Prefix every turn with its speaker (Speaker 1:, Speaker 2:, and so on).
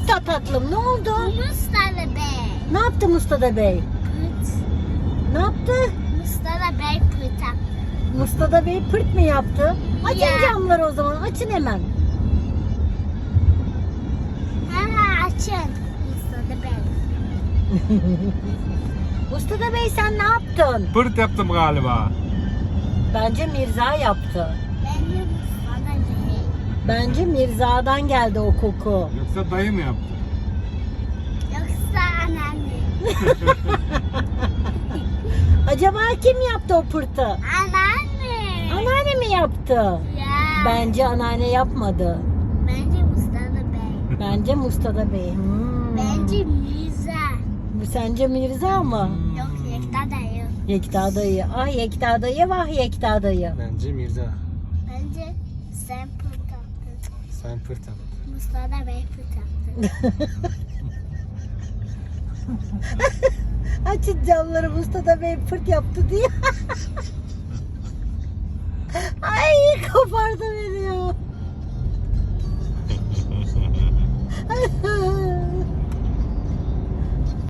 Speaker 1: yaptı tatlım? Ne oldu?
Speaker 2: Mustafa Bey.
Speaker 1: Ne yaptı Mustafa Bey?
Speaker 2: Pırt.
Speaker 1: Ne yaptı?
Speaker 2: Mustafa Bey pırt yaptı.
Speaker 1: Mustafa Bey pırt mı yaptı? Açın
Speaker 2: Ya.
Speaker 1: camları o zaman. Açın hemen.
Speaker 2: Hemen açın. Mustafa Bey.
Speaker 1: Mustafa Bey sen ne yaptın?
Speaker 3: Pırt yaptım galiba.
Speaker 1: Bence Mirza yaptı.
Speaker 2: Bence Mustafa Bey.
Speaker 1: Bence Mirza'dan geldi o koku.
Speaker 3: Yoksa dayı mı yaptı?
Speaker 2: Yoksa anneanne.
Speaker 1: Acaba kim yaptı o pırtı?
Speaker 2: Anneanne.
Speaker 1: Anneanne mi yaptı?
Speaker 2: Ya.
Speaker 1: Bence anneanne yapmadı.
Speaker 2: Bence Mustafa Bey.
Speaker 1: Bence Mustafa Bey.
Speaker 2: Bence Mirza.
Speaker 1: Bu sence Mirza mı?
Speaker 2: Yok Yekta dayı.
Speaker 1: Yekta dayı. Ah Yekta dayı, vah Yekta dayı.
Speaker 3: Bence Mirza.
Speaker 2: Bence sen pırt yaptın.
Speaker 3: Sen pırt yaptın.
Speaker 2: Mustafa Bey pırt yaptı.
Speaker 1: Açın camları, Mustafa Bey pırt yaptı diye. Ay kopardım